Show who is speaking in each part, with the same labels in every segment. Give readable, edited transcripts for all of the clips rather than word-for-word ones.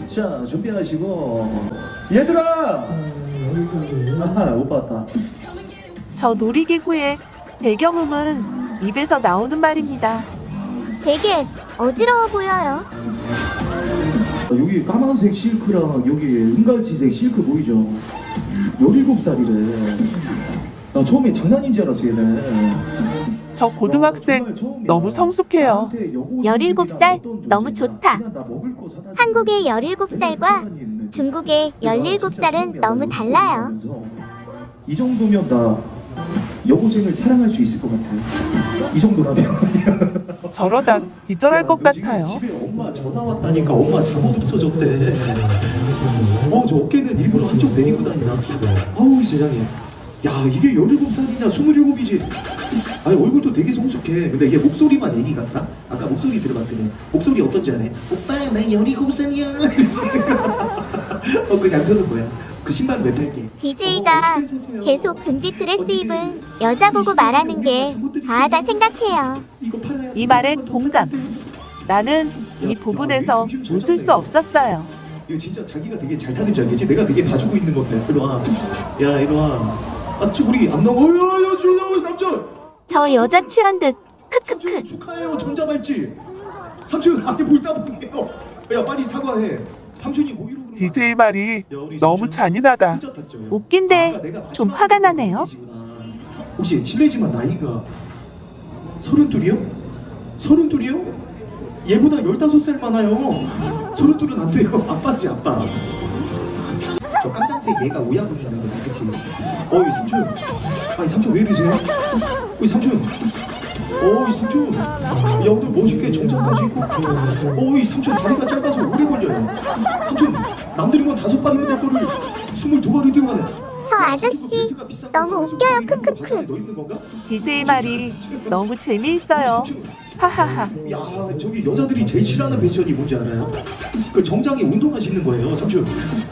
Speaker 1: 자, 준비하시고. 얘들아! 아하, 오빠 왔다.
Speaker 2: 저 놀이기구의 배경음은 입에서 나오는 말입니다.
Speaker 3: 되게 어지러워 보여요.
Speaker 1: 여기 까만색 실크랑 여기 은갈치색 실크 보이죠? 17살이래. 나 처음에 장난인 줄 알았어, 얘네.
Speaker 2: 저 고등학생 너무 성숙해요.
Speaker 3: 17살 너무 좋다. 한국의 17살과 중국의 17살은 너무 달라요.
Speaker 1: 이 정도면 나 여고생을 사랑할 수 있을 것 같아. 이 정도라면.
Speaker 2: 저러다 기절할 것
Speaker 1: 너 지금
Speaker 2: 같아요.
Speaker 1: 집에 엄마 전화 왔다니까. 엄마 잠옷 없어졌대. 저 어깨는 일부러 한쪽 내리고 다니나. 아우 세상에. 야, 이게 17살이냐 27이지. 아니 얼굴도 되게 성숙해. 근데 이게 목소리만 애기 같다? 아까 목소리 들어봤더니 목소리 어떤지 아네? 오빠 나 17살이야. 그 양손은 뭐야? 그 신발 왜 팔게?
Speaker 3: DJ가 계속 금빛 드레스 입은 여자 보고 말하는 게 과하다 생각해요.
Speaker 2: 이 말에 동감. 나는 이 부분에서 웃을 수 없었어요.
Speaker 1: 이거 진짜 자기가 되게 잘 타는 줄 알겠지? 내가 되게 봐주고 있는 건데. 이리 와. 야, 이리 와. 아, 우리 안 나와. 야, 주여, 남자.
Speaker 3: 저 여자 취한 듯 크크크.
Speaker 1: 삼촌 축하해요. 전자발찌. 삼촌, 아니 뭘 따보게요. 야, 빨리 사과해. 삼촌이 고의로 그런 거
Speaker 2: DJ 말이
Speaker 1: 야, 우리
Speaker 2: 너무
Speaker 1: 삼촌
Speaker 2: 잔인하다.
Speaker 1: 혼자 탔죠?
Speaker 2: 웃긴데
Speaker 1: 아까 내가
Speaker 2: 좀
Speaker 1: 마지막에
Speaker 2: 화가 나네요.
Speaker 1: 얘기지구나. 혹시 실례지만 나이가 32이요? 32이요? 얘보다 15살 많아요. 32은 안 돼요. 아빠지, 아빠. 저 깜짝색 얘가 오야분이라는 거야, 그치? 어이 삼촌. 아니 삼촌 왜 이러세요? 어이 삼촌. 어이 삼촌. 야 오늘 멋있게 정장까지 입고. 어이 삼촌 다리가 짧아서 오래 걸려요. 삼촌 남들이면 5발이면 될 거를 22발이 뛰어가네.
Speaker 3: 저 아저씨 너무 웃겨요. 크크크.
Speaker 1: 너 있는 건가?
Speaker 2: DJ 말이 너무 재미있어요. 하하하.
Speaker 1: 야 저기 여자들이 제일 싫어하는 패션이 뭔지 알아요? 그 정장에 운동화 신는 거예요. 삼촌.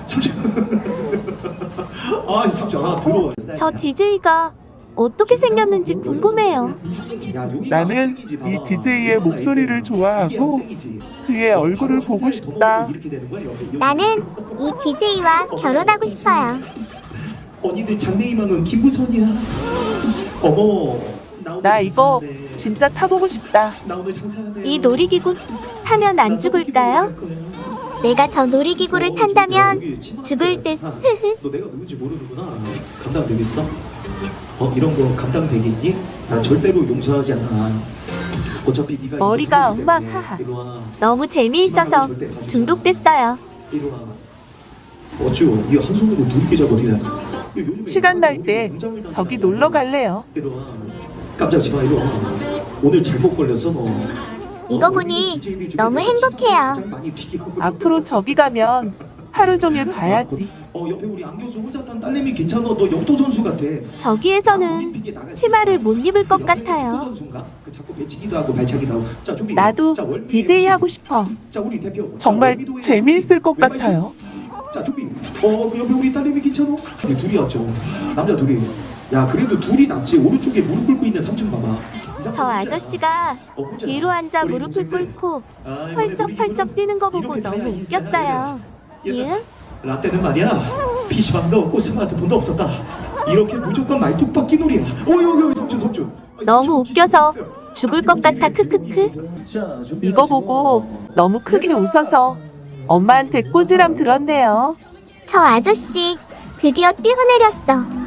Speaker 1: 아 삼촌 더러워.
Speaker 2: 저 DJ가 어떻게 생겼는지 궁금해요. 나는 이 DJ의 목소리를 좋아하고 그의 얼굴을 보고 싶다.
Speaker 3: 나는 이 DJ와 결혼하고 싶어요.
Speaker 1: 언니들 장래희망은 김부선이야. 어머.
Speaker 2: 나 이거 진짜 타보고 싶다.
Speaker 3: 이 놀이기구 타면 안 죽을까요? 내가 저 놀이기구를 탄다면 죽을 듯.
Speaker 1: 너 내가 누군지 모르는구나. 감당되겠어? 이런 거 감당되겠니? 난 절대로 용서하지 않아. 어차피 네가
Speaker 2: 머리가 엉망. 하하. 너무 재미있어서 중독됐어요.
Speaker 1: 이리 와. 어쭈? 이 한 손으로 누르게 잡아 어떻게 해?
Speaker 2: 시간 날 때 저기 놀러 갈래요.
Speaker 1: 이리 와. 깜짝이지 마. 이리 와. 오늘 잘못 걸렸어 너.
Speaker 3: 이거 보니 너무 행복해요.
Speaker 2: 앞으로 저기 가면 하루 종일 봐야지.
Speaker 1: 옆에 우리 안 교수 혼자 탄 딸내미 괜찮아. 너 역도 선수 같아.
Speaker 2: 저기에서는 치마를 못 입을 것 같아요.
Speaker 1: 선수인가? 그 자꾸 배치기도 하고 발차기도 하고. 자, 준비.
Speaker 2: 나도
Speaker 1: 자, 월미의
Speaker 2: DJ 하고 싶어.
Speaker 1: 자, 우리 대표.
Speaker 2: 정말
Speaker 1: 자, 월미도의
Speaker 2: 재미있을 것
Speaker 1: 왼발
Speaker 2: 같아요.
Speaker 1: 슛. 자, 준비. 그 옆에 우리 딸내미 괜찮아? 둘이 왔죠. 남자 둘이. 야, 그래도 둘이 낫지. 오른쪽에 무릎 꿇고 있는 삼촌 봐봐.
Speaker 3: 저 아저씨가 뒤로 앉아 무릎을 꿇고 펄쩍펄쩍 뛰는 거 보고 너무 웃겼어요. 예?
Speaker 1: 라떼는 말이야 PC방도 없고 스마트폰도 없었다. 이렇게 무조건 말뚝박기 놀이야. 여기 삼촌.
Speaker 3: 너무 웃겨서 죽을 것 같아. 크크크.
Speaker 2: 이거 보고 너무 크게 웃어서 엄마한테 꾸지람 들었네요.
Speaker 3: 저 아저씨 드디어 뛰어내렸어.